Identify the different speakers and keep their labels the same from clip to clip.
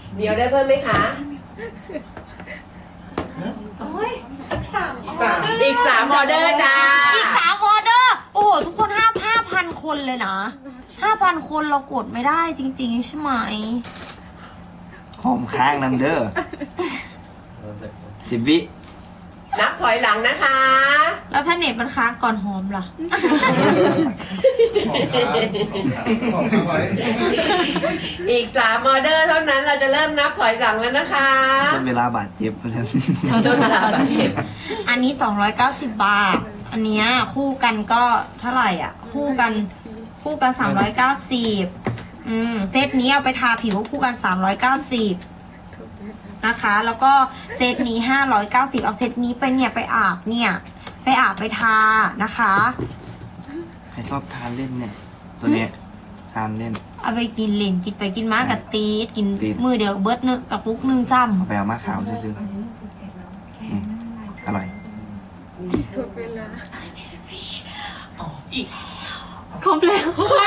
Speaker 1: มีออเดอร์เพิ่มไหมคะ อีก3ออเดอร์จ้า
Speaker 2: อีก3ออเดอร์โอ้โหทุกคน5,000 คนเลยนะ 5,000 คนเรากดไม่ได้จริงๆใช่ไหม
Speaker 3: หอมค้างนำเด้อ10 วิ
Speaker 1: นับถอยหลังนะคะ
Speaker 2: แล้วถ้าเน็ตมันค้างก่อนหอมล่ะ
Speaker 1: อีก3ออเดอร์เท่านั้นเราจะเริ่มนับถอยหลังแล้วนะคะ
Speaker 3: ทนเวลาบาดเจ็บเพราะฉะนั้น
Speaker 1: โดนเวลาบาดเจ็บ
Speaker 2: อันนี้290 บาท อันเนี้ยคู่กันก็เท่าไหร่อ่ะ คู่กัน390เซตนี้เอาไปทาผิวคู่กัน390นะคะ แล้วก็เซตนี้590เอาเซตนี้ไปเนี่ยไปอาบไปทานะคะ
Speaker 3: ใครชอบทานเล่นเนี่ย ตัวเนี้ยทานเล่น
Speaker 2: เอาไปกินเล่นกินไปกินมากับตีดกิน
Speaker 3: ตีด
Speaker 2: มือเดียวเบิร์ดนึงกับปุ๊กนึงซ้
Speaker 3: เอาไปเอามาขาวซื้อๆอร่อย
Speaker 4: ครบแล้ว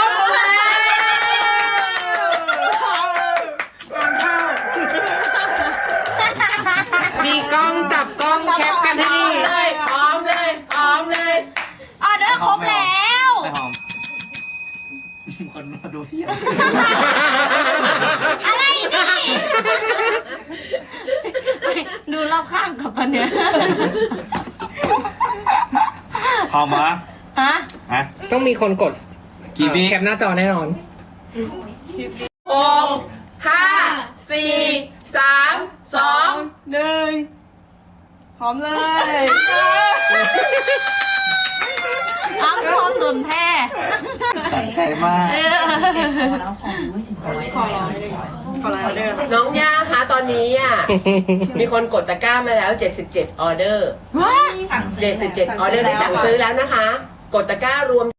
Speaker 1: มีกล้องจับกล้องแคปกันให้ดีพร้อมเลย
Speaker 2: ำออเดอร์ครบแล้ว
Speaker 3: ไม่หอม คนมาดูพี่
Speaker 2: อะไรนี่ดูรอบข้างกับตอนเนี้ย
Speaker 3: หอมเหรอ
Speaker 2: ฮะ
Speaker 3: ฮะ
Speaker 5: ต้องมีคนกด
Speaker 3: กี่วิ
Speaker 5: แคปหน้าจอแน่นอน
Speaker 1: 6 5 4 3 2 1
Speaker 6: หอมเลย
Speaker 2: อ้ำพร้อมโดนแท้
Speaker 3: สั่นใจมาก
Speaker 6: ขอไลน์ออเดอร์
Speaker 1: น้องย่าคะตอนนี้อ่ะ มีคนกดตะกร้ามาแล้ว77ออเดอร์77ออเดอร์ที่สั่งซื้อแล้วนะคะ กดตะกร้ารวม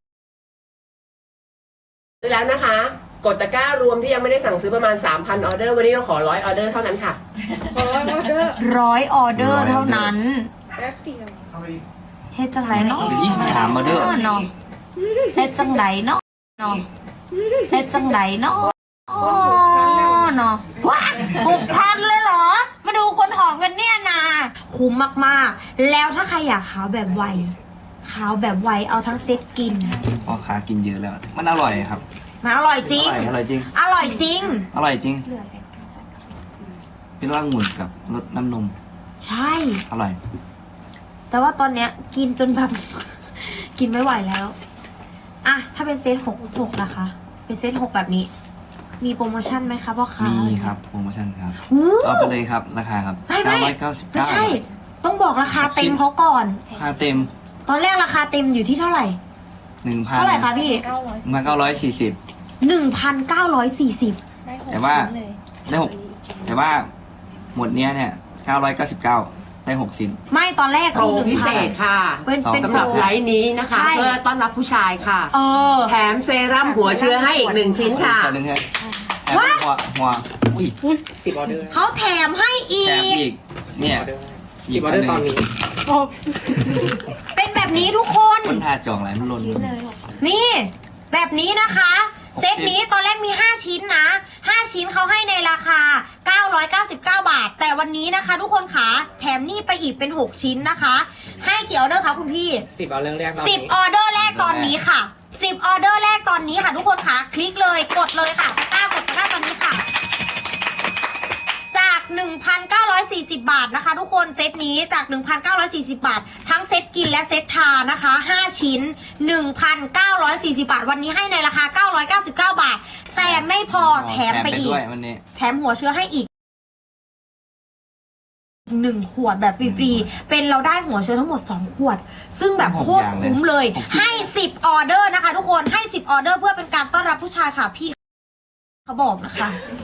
Speaker 1: ซื้อแล้วนะคะ กดตะกร้ารวมที่ยังไม่ได้สั่งซื้อประมาณ 3,000 ออเดอร์ วันนี้เราขอ100 ออเดอร์เท่านั้นค่ะ
Speaker 2: 100 ออเดอร์เท่านั้นเฮ็ดจังไรเนาะ
Speaker 3: หรือ23ออเดอร์
Speaker 2: เนาะเฮ็ดจังไรเนาะเฮ็ดจังไรเนาะเนาะว้า6,000เลยเหรอ มาดูคนหอมกันเนี่ยนะคุ้มมากๆ แล้วถ้าใครอยากขาวแบบไวเอาทั้งเซ็ตกิน
Speaker 3: พ่อค้ากินเยอะแล้ว มันอร่อยครับ
Speaker 2: มันอร่อยจริง
Speaker 3: อร่อยจริง
Speaker 2: อร่อยจริง
Speaker 3: อร่อยจริงเป็นว่าองุ่นกับรสน้ำนม
Speaker 2: ใช่
Speaker 3: อร่อย
Speaker 2: แต่ว่าตอนเนี้ยกินจนแบบ กินไม่ไหวแล้วอะถ้าเป็นเซต6นะคะ เป็นเซต6แบบนี้ มีโปรโมชั่นไหมคะพ่อค้า
Speaker 3: มีครับโปรโมชั่นครับ
Speaker 2: หู
Speaker 3: เอาไปเลยครับ ราคาครับ
Speaker 2: ไม่
Speaker 3: 999
Speaker 2: ไม่ใช่ ต้องบอกราคาเต็มเขาก่อน
Speaker 3: ราคาเต็ม
Speaker 2: ตอนแรกราคาเต็มอยู่ที่เท่าไหร่
Speaker 3: 1,000
Speaker 2: เท่าไหร่คะพี่
Speaker 3: 1,940
Speaker 2: 1,940
Speaker 3: แต่ว่าได้6แต่ว่าหมดเนี้ยเนี่ย999ได้6ชิ้น
Speaker 2: ไม่ตอนแรก
Speaker 1: โปร
Speaker 2: คือ
Speaker 1: พิเศษ
Speaker 2: 1,000
Speaker 1: ค่ะ
Speaker 2: เป็น
Speaker 1: สำหรับ
Speaker 2: โปร
Speaker 1: ไลฟ์นี้นะคะ
Speaker 2: ใช่
Speaker 1: เพื่อต้อนรับผู้ชายค่ะ
Speaker 2: เออ
Speaker 1: แถมเซรั่มหัวเชื้อให้อีก1 ชิ้นค่ะ
Speaker 3: ตัวหนึงครับแถมหัวอุ้ย
Speaker 5: 10 ออเดอร์
Speaker 2: เขาแถมให้อี
Speaker 3: แถม
Speaker 2: ก
Speaker 3: อีก เนี่ย
Speaker 5: 10 ออเดอร์ตอนนี้
Speaker 2: เป็นแบบนี้ทุกคน
Speaker 3: คนทาจองหลายมันหล่น
Speaker 2: นี่ แบบนี้นะคะ เซตนี้ตอนแรกมี 5 ชิ้นนะ 5 ชิ้นเขาให้ในราคา 999 บาท แต่วันนี้นะคะ ทุกคนขาแถมนี่ไปอีกเป็น 6 ชิ้นนะคะ ให้กี่ออเดอร์คะคุณพี่
Speaker 5: 10 ออเดอร์แรกตอนนี้
Speaker 2: 10 ออเดอร์แรกตอนนี้ค่ะ 10 ออเดอร์แรกตอนนี้ค่ะ ทุกคนค่ะคลิกเลยกดเลยค่ะกดตะกร้าตอนนี้ค่ะ จาก 1,940 บาทนะคะ ทุกคนเซตนี้จาก 1,940 บาท ทั้งเซตกินและเซตทานะคะ 5 ชิ้น 1,940 บาท วันนี้ให้ในราคา 999 บาท แต่ไม่พอแถมไปอีก
Speaker 3: ด้วยวันนี้
Speaker 2: แถมหัวเชื้อให้อีก1 ขวดแบบฟรีๆ เป็นเราได้หัวเชื้อทั้งหมด 2 ขวด ซึ่งแบบโคตรคุ้มเลย ให้ 10 ออเดอร์นะคะ ทุกคนให้ 10 ออเดอร์เพื่อเป็นการต้อนรับผู้ชายค่ะพี่เขาบอกนะคะ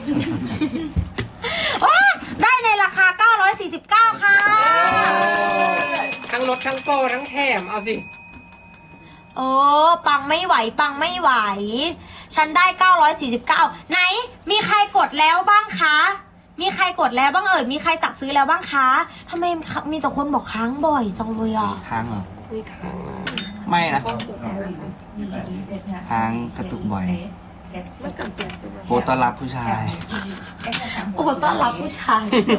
Speaker 2: ว้าได้ในราคา 949 ค่ะ
Speaker 5: ทั้งลดทั้งโปรทั้งแถม เอาสิ
Speaker 2: โอ้ปังไม่ไหว ฉันได้ 949 ไหน มีใครกดแล้วบ้างคะ มีใครกดแล้วบ้างเอ่ย มีใครสั่งซื้อแล้วบ้างคะทำไมมีแต่คนบอกค้างบ่อยจังเลยอ่ะ
Speaker 3: ค้างเหรอไม่นะค้างกระตุกบ่อยโปรต้อนรับผู้ชาย
Speaker 2: โอ้ต้อนรับผู้ชาย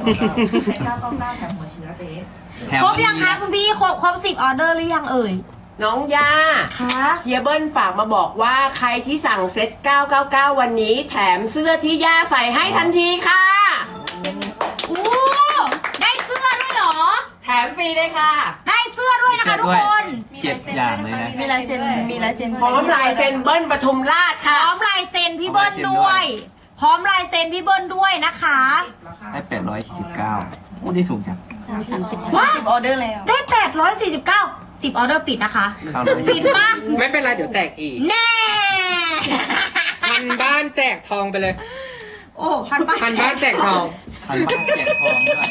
Speaker 3: แถม
Speaker 2: ครบยังคะคุณพี่ครบ10 ออเดอร์หรือยังเอ่ย
Speaker 1: น้องย่า
Speaker 2: คะ
Speaker 1: เฮียเบิ้ลฝากมาบอกว่าใครที่สั่งเซ็ต999 วันนี้แถมเสื้อที่ย่าใส่ให้ทันทีค่ะ
Speaker 2: อู้ได้เสื้อด้วยเหรอ
Speaker 1: แถมฟรีเลยค่ะ
Speaker 2: ได้เสื้อด้วยนะคะทุกคน
Speaker 3: 7 อย่างเลยนะ
Speaker 6: มีลายเซ็นมีลายเซ็น
Speaker 1: พร้อมลายเซ็นเบิ้ลปทุมราช
Speaker 2: พ
Speaker 1: ค่ะ
Speaker 2: ร้อมลายเซ็นพี่เบิ้ลด้วย พร้อมลายเซ็นพี่เบิ้ลด้วยนะคะ
Speaker 3: ได้849โอ้ได้ถูกจัง
Speaker 2: ว้า
Speaker 6: 10 ออเดอร์แล้ว
Speaker 2: ได้849 10 ออเดอร์ปิดนะคะ ปิดปะ
Speaker 5: ไม่เป็นไรเดี๋ยวแจกอีก
Speaker 2: แน่
Speaker 5: พันบ้านแจกทองไปเลย
Speaker 2: โอ้พันบาท
Speaker 5: พันบ้านแจกทอง
Speaker 3: พันบ้านแจกทองด้วย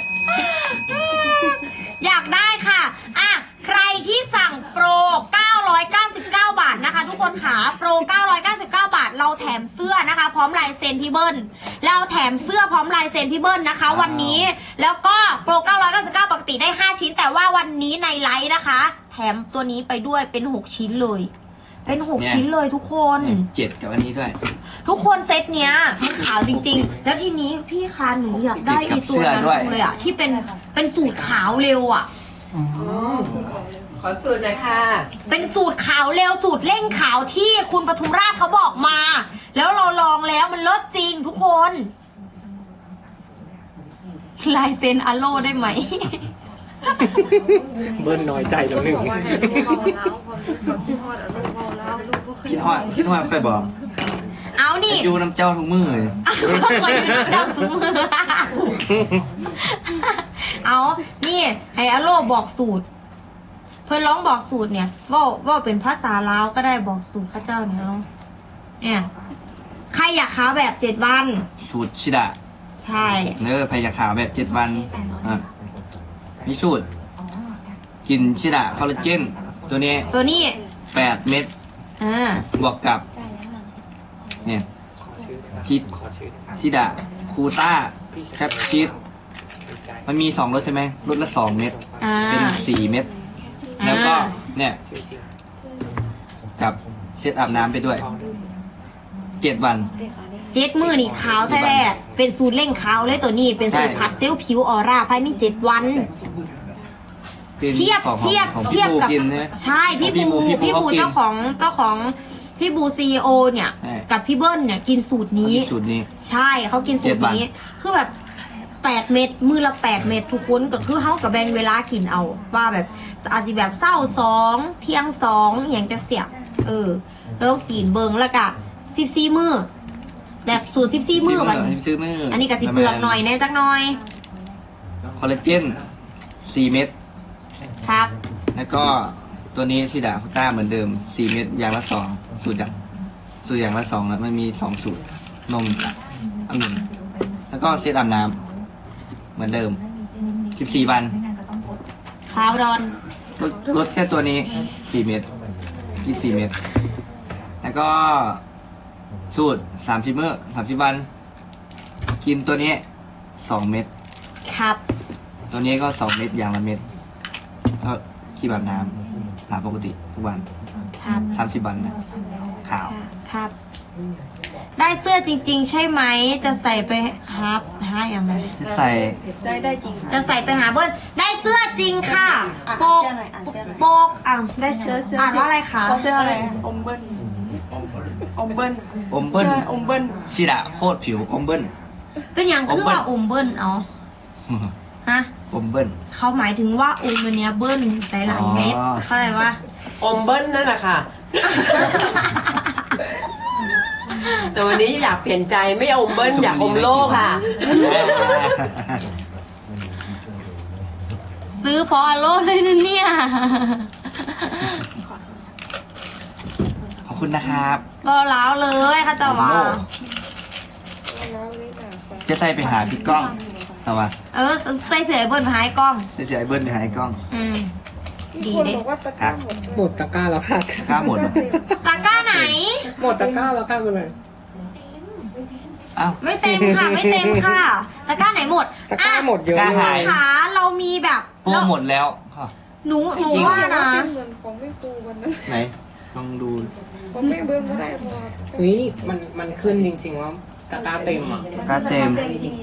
Speaker 2: อยากได้ค่ะอ่ะ ใครที่สั่งโปร 999 บาทนะคะ ทุกคนขาโปร 999 บาท เราแถมเสื้อนะคะ พร้อมลายเซ็นพี่เบิ้ลเราแถมเสื้อพร้อมลายเซ็นพี่เบิ้ลนะคะ วันนี้ แล้วก็โปร 999 ปกติได้ 5 ชิ้น แต่ว่าวันนี้ในไลฟ์นะคะ แถมตัวนี้ไปด้วยเป็น 6 ชิ้นเลย เป็น 6 ชิ้นเลยทุกคน
Speaker 3: 7กับอันนี้ด้วย
Speaker 2: ทุกคนเซตเนี้ยมันขาวจริงๆ แล้วทีนี้พี่คะหนูอยากได้อีตัวนั้นจังเลยอะที่เป็นสูตรขาวเร็วอะ
Speaker 1: ขอสูตรหน่อยค่ะ
Speaker 2: เป็นสูตรขาวเร็วสูตรเร่งขาวที่คุณปทุมราชเขาบอกมา แล้วเราลองแล้วมันเลิศจริงทุกคนลายเซ็นอโลได้ไหม
Speaker 5: เบิ้ลน้อยใจแล้วหนึ่ง
Speaker 3: คิดฮอดค่อยบอก
Speaker 2: เอานี่
Speaker 3: อยู่น้ำเจ้าทุกมือเลย
Speaker 2: มาอยู่ในเจ้าซุ้มเอานี่ให้อโลบอกสูตร เพื่อนร้องบอกสูตรเนี่ยว่าเป็นภาษาลาวก็ได้บอกสูตรข้าเจ้าเนี่ยเนาะเนี่ยใครอยากขาวแบบ7 วัน
Speaker 3: สูตรชิดะ
Speaker 2: ใช่
Speaker 3: เนื้อพยาขาวแบบ7 วันอ่ะมีสูตร กินชิดะคอลลาเจน ตัวนี้
Speaker 2: ตัวนี้
Speaker 3: 8 เม็ด บวกกับ เนี่ยชิดะคูต้าแคปชีสมันมี2 รสใช่ไหมรสละ 2 เม็ด
Speaker 2: อ่า
Speaker 3: เป็น 4 เม็ด แล้วก็ เนี่ย กับเซตอาบน้ำไปด้วย 7 วัน
Speaker 2: 7 มือนี่ขาวแท้ๆเป็นสูตรเร่งขาวเลยตัวนี้ เป็นสูตร
Speaker 3: ใช่
Speaker 2: ผัดเซลล์ผิวออร่าภายใน7 วัน
Speaker 3: เป็น
Speaker 2: เทียบ
Speaker 3: ของ
Speaker 2: เทียบ
Speaker 3: ของ
Speaker 2: เทียบ
Speaker 3: พี่
Speaker 2: กับ
Speaker 3: กินใช่ไหม
Speaker 2: ใช่พี่บู
Speaker 3: พี่บู
Speaker 2: เจ้าของพี่บูซีโอเนี่ย
Speaker 3: ใช่
Speaker 2: กับพี่เบิ้ลเนี่ยกินสูตรนี้
Speaker 3: สูตรนี้
Speaker 2: ใช่เขากินสูตรนี้ คือแบบ8 เม็ดมือละ8 เม็ดทุกคนก็คือเขากับแบ่งเวลากินเอา ว่าแบบอาจจะแบบเศร้า2 เที่ยง2อย่างจะเสียบแล้วกินเบิงแล้วก็14 มือแบบสูตร14 มือแบบนี้
Speaker 3: ซื้อมือ
Speaker 2: อันนี้ก็สิเปลือกหน่อยแน่จักหน่อย
Speaker 3: คอลลาเจน 4 เม็ด
Speaker 2: ครับ
Speaker 3: แล้วก็ตัวนี้ชิดาพุต้าเหมือนเดิม 4 เม็ดอย่างละ 2 สูตรอย่างละ 2 แล้วมันมี 2 สูตร นมองุ่นแล้วก็เซตอาบน้ำเหมือนเดิม 14 วัน
Speaker 2: ขาวดอน
Speaker 3: ลดแค่ตัวนี้ 4 เม็ด24 เม็ดแล้วก็สูตร 30 มื้อ30 วัน กินตัวนี้ 2 เม็ด
Speaker 2: ครับ
Speaker 3: ตัวนี้ก็ 2 เม็ดอย่างละเม็ดก็ขี้แบบน้ำหาปกติทุกวัน
Speaker 2: ครับ
Speaker 3: 30 วันนะขาว
Speaker 2: ครับ ได้เสื้อจริง ๆ ใช่ไหม จะใส่ไปหาอย่างไร
Speaker 3: จะใส่
Speaker 6: ได้จริง
Speaker 2: จะใส่ไปหาเบิ้ลได้เสื้อจริงค่ะ โปก โปกได้เสื้ออ่านว่าอะไรคะ
Speaker 6: เสื้ออะไรอมเบิ้ลอมเบิ้ล
Speaker 3: อมเบิ้ล
Speaker 6: สื้ออมเบิ้ล
Speaker 3: ชิดะโคตรผิวอมเบิ้ล
Speaker 2: เป็นอย่างคือว่าอมเบิ้ลเอาฮะ
Speaker 3: อมเบิ้ล
Speaker 2: เขาหมายถึงว่าอมอันเนี้ยเบิ้ลหลายๆเม็ด
Speaker 3: อ๋อ
Speaker 2: เข้าใจว่า
Speaker 1: อมเบิ้ลนั่นแหละค่ะ แต่วันนี้อยากเปลี่ยนใจไม่อมเบิ้ลอยากอมโลกค่ะ
Speaker 2: ซื้อพออโลเลยนะเนี่ย
Speaker 3: ขอบคุณนะครับ
Speaker 2: ก็ล้าวเลยค่ะเจ้าว่า
Speaker 3: จะใส่ไปหาพี่ก้องเอาวะ
Speaker 2: ใส่เสื้อเบิ้ลมาให้กล้อง
Speaker 3: จะเสียไอ้เบิ้ลไปหาไอ้ก้อง
Speaker 2: ดีเด้
Speaker 3: ครับ
Speaker 5: หมดตะกร้าแล้วค่ะ
Speaker 3: ข้าหมดเหรอ
Speaker 2: ตะกร้าไหน
Speaker 5: หมดตะกร้าแล้วค่ะคุณเลย
Speaker 3: อ้าว
Speaker 2: ไม่เต็มค่ะ ไม่เต็มค่ะตะกร้าไหนหมด
Speaker 5: ตะกร้าหมดเยอะ
Speaker 3: กล้า
Speaker 5: เล
Speaker 3: หาย
Speaker 5: ย
Speaker 2: ค่ะเรามีแบบ
Speaker 3: โปรหมดแล้ว
Speaker 2: หนูว่านะ
Speaker 3: ไหนลองดู
Speaker 5: ผมไม่เบิ้มก็ได้พอเฮ้ยมันขึ้นจริงๆว่าตะกร้าเต็มอ่ะ
Speaker 3: กระเต็ม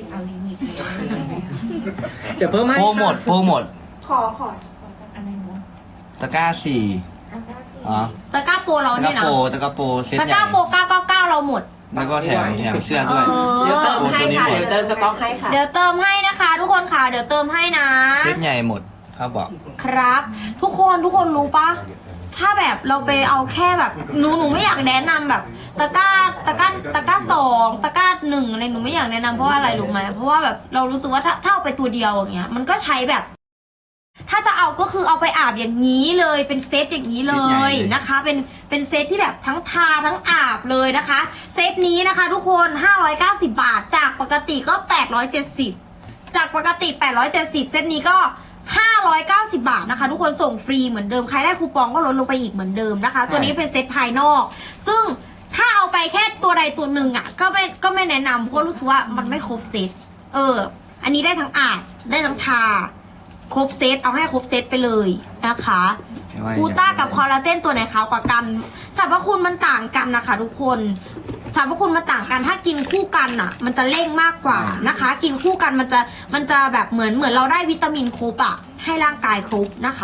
Speaker 5: เดี๋ยวเพิ่มให้
Speaker 3: โปรหมดโปรหมด
Speaker 6: ขอ
Speaker 3: ตะกร้าสี่อ๋อ
Speaker 2: ตะกร้าโปรเรา
Speaker 3: ตะก
Speaker 2: เนี่
Speaker 3: ร้าย
Speaker 2: นะ
Speaker 3: ตะกร้าโปรเซต
Speaker 2: ตะ
Speaker 3: ให
Speaker 2: กร้า
Speaker 3: ญ่
Speaker 2: โปร999เราหมด
Speaker 3: แล้วก็แถมเสื้อด้วย
Speaker 1: เดี๋ยวเติมให้ค่ะ เดี๋ยวเติมสต็อกให้ค่ะ
Speaker 2: เดี๋ยวเติมให้นะคะ ทุกคนค่ะ เดี๋ยวเติมให้นะ
Speaker 3: เซตใหญ่หมดเขาบอก
Speaker 2: ครับ ทุกคนรู้ปะถ้าแบบเราไปเอาแค่แบบหนูไม่อยากแนะนำแบบตะกร้าสองตะกร้าหนึ่งอะไรหนูไม่อยากแนะนำเพราะว่าอะไรรู้ไหมเพราะว่าแบบเรารู้สึกว่าถ้าเอาไปตัวเดียวอย่างเงี้ยมันก็ใช้แบบ ถ้าจะเอาก็คือเอาไปอาบอย่างนี้เลยเป็นเซตอย่างนี้เลยนะคะ เป็นเซตที่แบบทั้งทาทั้งอาบเลยนะคะ เซตนี้นะคะ ทุกคน590 บาทจากปกติก็870จากปกติ870เซตนี้ก็590 บาทนะคะ ทุกคนส่งฟรีเหมือนเดิมใครได้คูปองก็ลดลงไปอีกเหมือนเดิมนะคะ ตัวนี้เป็นเซตภายนอก ซึ่งถ้าเอาไปแค่ตัวใดตัวหนึ่งอ่ะก็ไม่แนะนำเพราะรู้สึกว่ามันไม่ครบเซตอันนี้ได้ทั้งอาบได้ทั้งทาครบเซตเอาให้ครบเซตไปเลยนะคะกูต้ากับคอลลาเจนตัวไหนขาวกว่ากันสรรพคุณมันต่างกันนะคะ ทุกคนสรรพคุณมันต่างกันถ้ากินคู่กันอ่ะ มันจะเร่งมากกว่านะคะ กินคู่กันมันจะแบบเหมือนเราได้วิตามินครบอ่ะให้ร่างกายครบนะคะ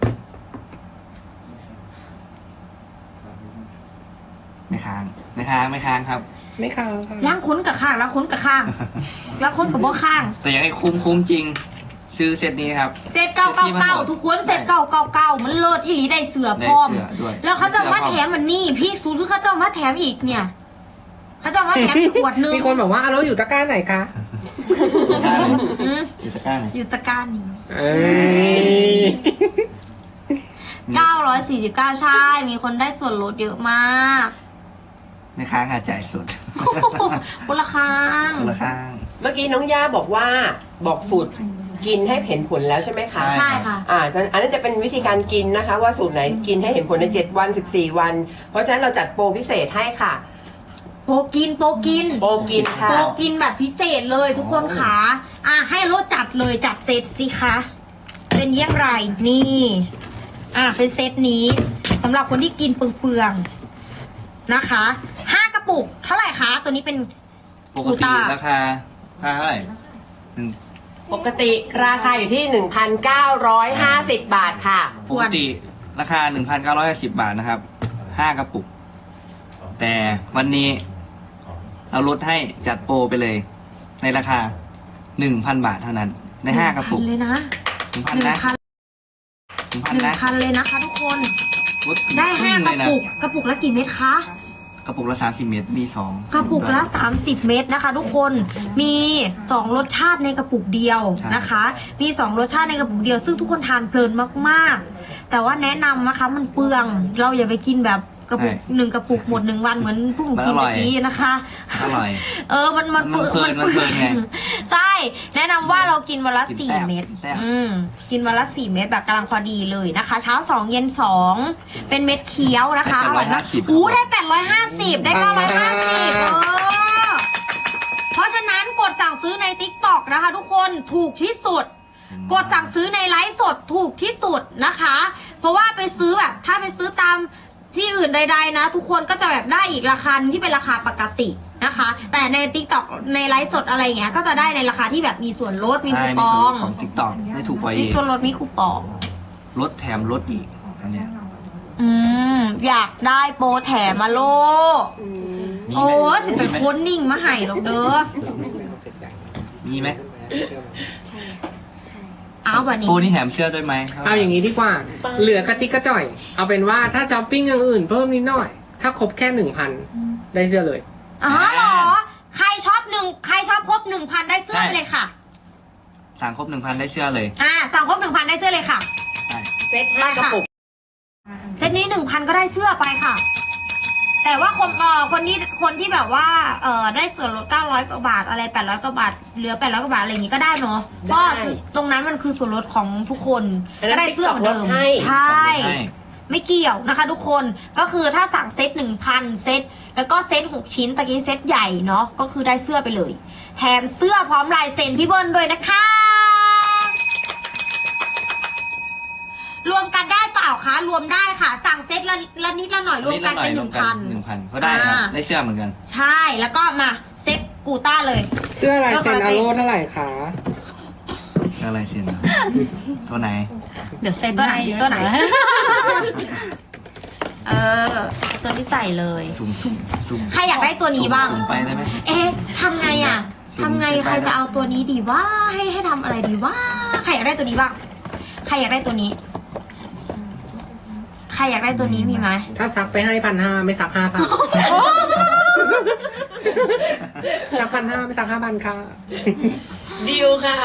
Speaker 3: ไม่ค้างครับ
Speaker 5: ไม่ค้างค่ะ
Speaker 2: ล้างค้นกับข้างล้างค้นกับข้างล้างค้นกับบ่ข้าง
Speaker 3: แต่อยากให้คุ้มจริง ซื้อเซตนี้ครับ
Speaker 2: เซต999ทุกคนเซต999มันเลิศอีหลีได้เสือพร้อม
Speaker 3: ได้เสื้อด้วย
Speaker 2: แล้วเขาจะมาแถมมันนี่พี่ซูคือเขาจะมาแถมอีกเนี่ยเขาจะมาแถมอีกขวดนึง
Speaker 5: มีคนบอกว่าเราอยู่ตะกร้าไหนคะ
Speaker 2: อืม
Speaker 3: อยู่ตะกร้าไหน
Speaker 2: อยู่ตะกร้านี้
Speaker 5: เอ้ย
Speaker 2: 949ใช่ มีคนได้ส่วนลดเยอะมาก
Speaker 3: ไม่ค้างค่ะจ่ายสด
Speaker 2: คนละคาง
Speaker 3: คนละข้าง
Speaker 1: เมื่อกี้น้องย่าบอกว่าบอกสูตรกินให้เห็นผลแล้วใช่ไหมคะ
Speaker 2: ใช่ค่ะ
Speaker 1: อันนั้นจะเป็นวิธีการกินนะคะ ว่าสูตรไหนกินให้เห็นผลใน7วัน14วัน เพราะฉะนั้นเราจัดโปรพิเศษให้ค่ะ
Speaker 2: โปรกิน
Speaker 1: โปรกินค่ะ
Speaker 2: โปรกินแบบพิเศษเลยทุกคนค่ะให้รถจัดเลยจัดเซตสิคะเป็นอยังไรนี่เป็นเซตนี้สำหรับคนที่กินเปลืองๆนะคะ5 กระปุกเท่าไหร่คะตัวนี้เป็น
Speaker 3: ปกติราคาเท่าไหร่
Speaker 1: ปกติราคาอยู่ที่ 1,950 บาทค่ะ
Speaker 3: ปกติราคา 1,950 บาทนะครับ5 กระปุก แต่วันนี้เราลดให้จัดโปรไปเลย ในราคา 1,000 บาทเท่านั้น ใน5 กระปุก
Speaker 2: 1,000เลยนะ
Speaker 3: 1,000 นะ 1,000 นะ
Speaker 2: 1,000เลยนะคะทุกคน
Speaker 3: ลด
Speaker 2: ได้
Speaker 3: ครึ่ง
Speaker 2: 5 ก
Speaker 3: เล
Speaker 2: ระ
Speaker 3: ยนะ
Speaker 2: ปุกกระปุกละกี่เม็ดคะ
Speaker 3: กระปุกละ30 เมตรมี2
Speaker 2: กระปุกละ30 เม็ดนะคะ ทุกคนมี2รสชาติในกระปุกเดียวนะคะ มี2รสชาติในกระปุกเดียว ซึ่งทุกคนทานเพลินมากๆแต่ว่าแนะนำนะคะมันเปลืองเราอย่าไปกินแบบกระปุก1 กระปุกหมด1 วันเหมือนพวกหนูกินเมื่อกี้นะคะ
Speaker 3: อร่อย
Speaker 2: มันเปลือง
Speaker 3: มันเพลินไง
Speaker 2: ใช่แนะนำว่าเรากินวันละ
Speaker 3: กินแซ่บ
Speaker 2: 4 เม็ด
Speaker 3: แซ่บ
Speaker 2: กินวันละ4 เม็ดแบบกำลังพอดีเลยนะคะ เช้า2เย็น2เป็นเม็ดเคี้ยวนะคะอร่อยมากได้850ได้950เพราะฉะนั้นกดสั่งซื้อใน TikTok นะคะ ทุกคนถูกที่สุด กดสั่งซื้อในไลฟ์สดถูกที่สุดนะคะ เพราะว่าไปซื้อแบบถ้าไปซื้อตามที่อื่นใดๆนะ ทุกคนก็จะแบบได้อีกราคาที่เป็นราคาปกตินะคะ แต่ใน TikTok ในไลฟ์สดอะไรอย่างเงี้ยก็จะได้ในราคาที่แบบมีส่วนลดมีคูปอง
Speaker 3: ของ TikTok ได้ถูกกว่า
Speaker 2: มี
Speaker 3: อีก
Speaker 2: ส่วนลดมีคูปอง
Speaker 3: ลดแถมลดอีกอันเนี้ย
Speaker 2: อยากได้โปรแถมมาโล
Speaker 3: มี
Speaker 2: โอ้
Speaker 3: ไหม
Speaker 2: สิเป็นคนนิ่งมาให้หรอกเด้อ
Speaker 3: มีไหม
Speaker 2: เอาแบบนี้
Speaker 3: โปรนี่แถมเสื้อด้วยไหม
Speaker 5: เอาอย่างนี้ดีกว่า เหลือกระจิกกระจ่อย เอาเป็นว่าถ้าช้อปปิ้งอย่างอื่นเพิ่มนิดหน่อย ถ้าครบแค่ 1,000 ได้เสื้อเลย
Speaker 2: เหรอใครชอบครบ 1,000 ได้เสื้อไปเลยค่ะ
Speaker 3: สั่งครบ 1,000 ได้เสื้อเลย
Speaker 2: สั่งครบ 1,000 ได้เสื้อเลยค่ะ
Speaker 3: ใช่
Speaker 1: เซ็ต5 กระปุก
Speaker 2: เซตนี้ 1,000 ก็ได้เสื้อไปค่ะ แต่ว่าคนที่แบบว่าได้ส่วนลด900 กว่าบาทอะไร800 กว่าบาทเหลือ800 กว่าบาทอะไรอย่างงี้ก็ได้เนาะเพราะตรงนั้นมันคือส่วนลดของทุกคน
Speaker 1: อันนั้น
Speaker 2: ก็ได้เสื้อเหมือนเดิม
Speaker 1: TikTok ลดให้
Speaker 2: ใช่
Speaker 3: ให้
Speaker 2: ไม่เกี่ยวนะคะทุกคนก็คือถ้าสั่งเซต 1,000 เซตแล้วก็เซต6 ชิ้นตะกี้เซตใหญ่เนาะก็คือได้เสื้อไปเลย แถมเสื้อพร้อมลายเซ็นพี่เบิ้ลด้วยนะคะรวมกันได้เปล่าคะรวมได้ค่ะ สั่งเซตละนิดละหน่อยรวมกันเป็น
Speaker 3: รวมกัน 1,000ก็ได้ครับได้เสื้อเหมือนกัน
Speaker 2: ใช่แล้วก็มาเซตกูต้าเลย
Speaker 5: เสื้อลายเซ็นอาโลเท่าไหร่คะ
Speaker 3: เสื้ออะไรเสียนตัวไหน
Speaker 2: เดี๋ยวเซตตัวไหนตัวไหน ตัวที่ใส่เลย
Speaker 3: สุ่ม
Speaker 2: ใครอยากได้ตัวนี้บ้าง
Speaker 3: สุ่มไปได้ไหม
Speaker 2: เอ๊ะทำไงอ่ะ
Speaker 3: สุ่ม
Speaker 2: ทำไง
Speaker 3: สุ่มไป
Speaker 2: ใครจะเอาตัวนี้ดีว่าให้ทำอะไรดีว่าใครอยากได้ตัวนี้บ้างใครอยากได้ตัวนี้ ใครอยากได้ตัวนี้มีไหม
Speaker 5: ถ้าซักไปให้1,500ไม่ซัก5,000ซัก1,500ไม่ซัก5,000ค่ะ
Speaker 1: ดิวค่ะ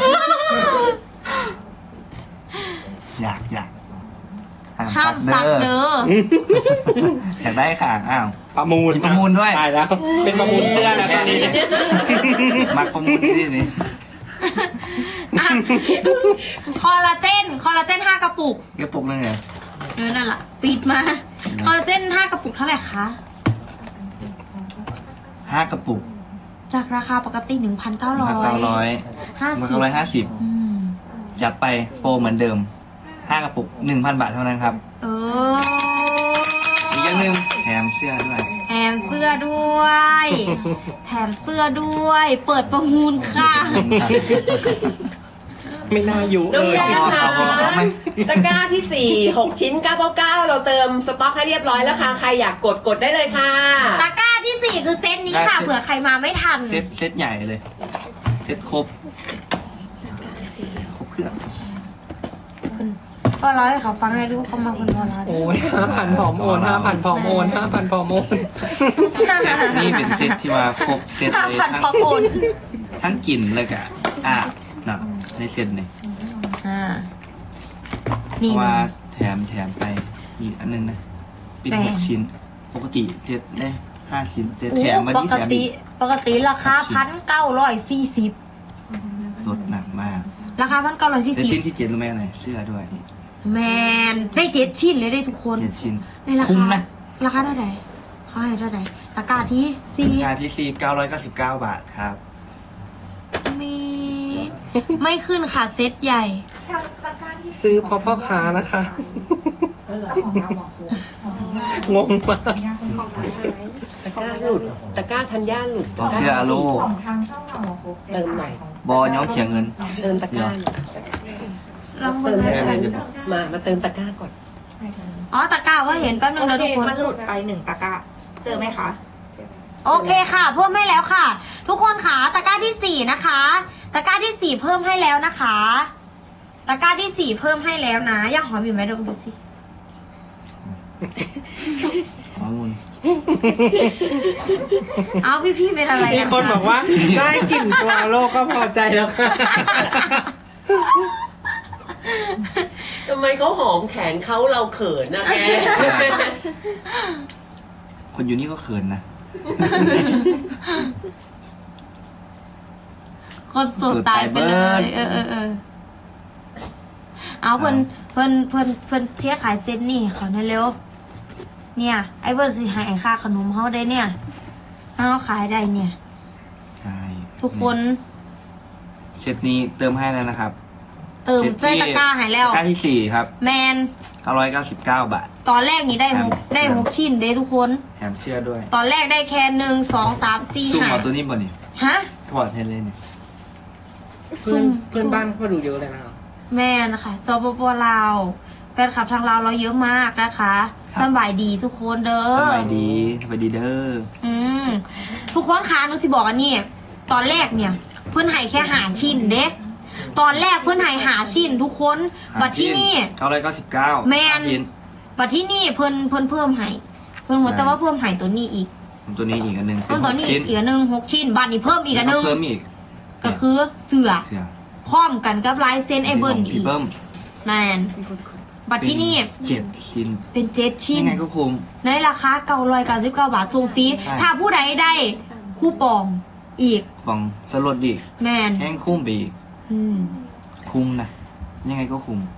Speaker 3: อยาก
Speaker 2: ห้ามซักเด้อ
Speaker 3: อยากได้ค่ะอ้าว
Speaker 5: ประมูล
Speaker 3: มีประมูลด้วย
Speaker 5: ตายแล้ว เป็นประมูลเสื้อแล้วตอนนี้
Speaker 3: มักประมูลที่นี่
Speaker 2: อ่ะคอลลาเจน5 กระปุก
Speaker 3: กระปุกนึงเหรอ
Speaker 2: นั่นแหละปิดมาคอลลาเจน5 กระปุกเท่าไหร่คะ
Speaker 3: 5 กระปุก
Speaker 2: จากราคาปกติ 1,900
Speaker 3: 1,950
Speaker 2: อืม
Speaker 3: จัดไปโปรเหมือนเดิม 5 กระปุก 1,000 บาทเท่านั้นครับ
Speaker 2: เออ
Speaker 3: อีกอย่างหนึงแถมเสื้อด้วย
Speaker 2: แถมเสื้อด้วย แถมเสื้อด้วย เปิดประมูลค่ะ
Speaker 5: ไม่น่าอยู่
Speaker 1: น้อง
Speaker 5: เลย
Speaker 1: แย่ค่ะ
Speaker 3: เอาไหม
Speaker 1: ตะกร้าที่ 4 6 ชิ้น 999 เราเติมสต็อกให้เรียบร้อยแล้วค่ะ ใครอยากกดได้เลยค่ะ
Speaker 2: ตะกร้าที่ 4 คือเซตนี้ค่ะ เผื่อใครมาไม่ทัน
Speaker 3: เซตใหญ่เลย เซตครบเครื่อง
Speaker 2: พอร้อยเขาฟังให้ดูเขามาคนพอร้อย
Speaker 5: โอ้ย5,000พร้อมโอน5,000พร้อมโอน5,000พร้อมโอน
Speaker 3: เซตนี้เป็นเซตที่มาครบเซตเลย
Speaker 2: 5,000พอโอน
Speaker 3: ทั้งกลิ่นเลยกะนะในเซตนี่
Speaker 2: อ่า
Speaker 3: เพ
Speaker 2: นี่
Speaker 3: ราะว่า
Speaker 2: นะ
Speaker 3: แถมไปอีกอันนึงนะเป็น
Speaker 2: แถม
Speaker 3: 6 ชิ้น ปกติเจ็ดได้5 ชิ้นแต่
Speaker 2: โอ้
Speaker 3: แถมมา
Speaker 2: ป
Speaker 3: ที่
Speaker 2: ก
Speaker 3: แถม
Speaker 2: ติ
Speaker 3: อีก
Speaker 2: ราคา 1,940
Speaker 3: ลดหนักมาก
Speaker 2: ราคา
Speaker 3: แต่ชิ้น
Speaker 2: 1,940
Speaker 3: ที่7รู้ไหมอะไรเสื้อด้วย
Speaker 2: แมนได้7 ชิ้นเลยได้ทุกคน
Speaker 3: 7 ชิ้น
Speaker 2: ในรา
Speaker 3: คุ้ม
Speaker 2: คา
Speaker 3: นะ
Speaker 2: ราคาเท่าไหร่เขาให้เท่าไหร่ตะกร้าที่
Speaker 3: ราคาที่999 บาทครับ
Speaker 2: 4ไม่ขึ้นค่ะเซตใหญ่
Speaker 5: ซื้อเพราะพ่อค้านะคะ งงมาก
Speaker 1: ตะกร้าหลุด ตะกร้าธัญญาหลุด
Speaker 3: เสื้ออาโล
Speaker 1: เติมหน่อย
Speaker 3: บอย้องเขียงเงิน
Speaker 1: เติมตะกร้า
Speaker 2: ลอง
Speaker 1: เติม
Speaker 2: ดู
Speaker 1: ให้
Speaker 3: ได้
Speaker 1: อะไร
Speaker 3: จะบอก
Speaker 1: มาเติมตะกร้าก่อน
Speaker 2: อ๋อตะกร้าก็เห็นแป๊บนึงนะทุกคน
Speaker 6: มันหลุดไป1 ตะกร้า เจอไหมคะ
Speaker 2: โอเคค่ะ เพิ่มให้แล้วค่ะ ทุกคนค่ะตะกร้าที่ 4 นะคะ ตะกร้าที่ 4 เพิ่มให้แล้วนะคะ ตะกร้าที่ 4 เพิ่มให้แล้วนะย่าหอมอยู่ไหมลองดูสิ
Speaker 3: ข้อมูล
Speaker 2: เอาพี่ๆเป็นอะไร
Speaker 5: มี
Speaker 2: กัน
Speaker 5: คนบอกว่าได้กลิ่นตัวโลกก็พอใจแล้วค่ะ
Speaker 1: ทำไมเขาหอมแขนเขาเราเขินนะแก
Speaker 3: คนอยู่นี่ก็เขินนะ
Speaker 2: คนโสดตายไปเลย เออเอาเพิ่นเชียร์ขายเซนนี่ขอหน่อยเร็ว เนี่ย ไอ้เบิร์ดสิหายค่าขนมเขาได้เนี่ยเขาขายได้เนี่ย
Speaker 3: ใช่
Speaker 2: ทุกคน
Speaker 3: เซตนี้เติมให้แล้วนะครับ
Speaker 2: เติมใจตะกร้าหายแล้ว
Speaker 3: ตะกร้าที่ 4 ครับ
Speaker 2: แมน
Speaker 3: 999 บาท
Speaker 2: ตอนแรกนี่ได้หก
Speaker 3: ครับ
Speaker 2: ได้6 ชิ้นเด้ทุกคน
Speaker 3: แถมเสื้อด้วย
Speaker 2: ตอนแรกได้แค่1 2 3 4
Speaker 3: ซุ่ม
Speaker 2: 5
Speaker 3: เอาตัวนี้บ่นี่
Speaker 2: ฮะ
Speaker 3: ถอดเทนเลยเนี่ย
Speaker 5: เพื่อนบ้านเขามาดูเยอะเลยนะครับ
Speaker 2: แม่นะคะสปปลาวแฟนคลับทางลาวเราเยอะมากนะคะสบายดีทุกคนเด้อ
Speaker 3: สบายดีเด้อ
Speaker 2: อืมทุกคนคะหนูสิบอกอันนี้ตอนแรกเนี่ย เพื่อนให้แค่5 ชิ้นเด็กตอนแรกเพื่อนให้5 ชิ้นทุกคนบัดที่นี่
Speaker 3: 999
Speaker 2: แม่น
Speaker 3: ชิ้น
Speaker 2: บัดที่นี่เพิ่นเพิ่มให้เพิ่นหมดแต่ว่าเพิ่มให้ตัวนี้อีก
Speaker 3: ตัวนี้อีกอันหนึง
Speaker 2: เพิ่มตัวนี้
Speaker 3: 6
Speaker 2: อีกอันหนึง6 ชิ้นบัดนี้เพิ่มอีกอันหนึง
Speaker 3: เพิ่มอีก
Speaker 2: ก็คือเสือ
Speaker 3: เสื้อ
Speaker 2: พร้อมกันกับลายเซ็นไอเบิร์น
Speaker 3: พี่
Speaker 2: อีก
Speaker 3: เบิ้ม
Speaker 2: แมนบัดที่นี่
Speaker 3: 7 ชิ้น
Speaker 2: เป็น7 ชิ้น
Speaker 3: ยังไงก็คุ้ม
Speaker 2: ในราคา999 บาทส่งฟรี
Speaker 3: ใช่
Speaker 2: ถ้าผู้ใดได้คูปองอีก
Speaker 3: ของสลดดี
Speaker 2: แมน
Speaker 3: แห้งคุ้มไปอีก
Speaker 2: อืม
Speaker 3: คุ้มนะยังไงก็คุ้ม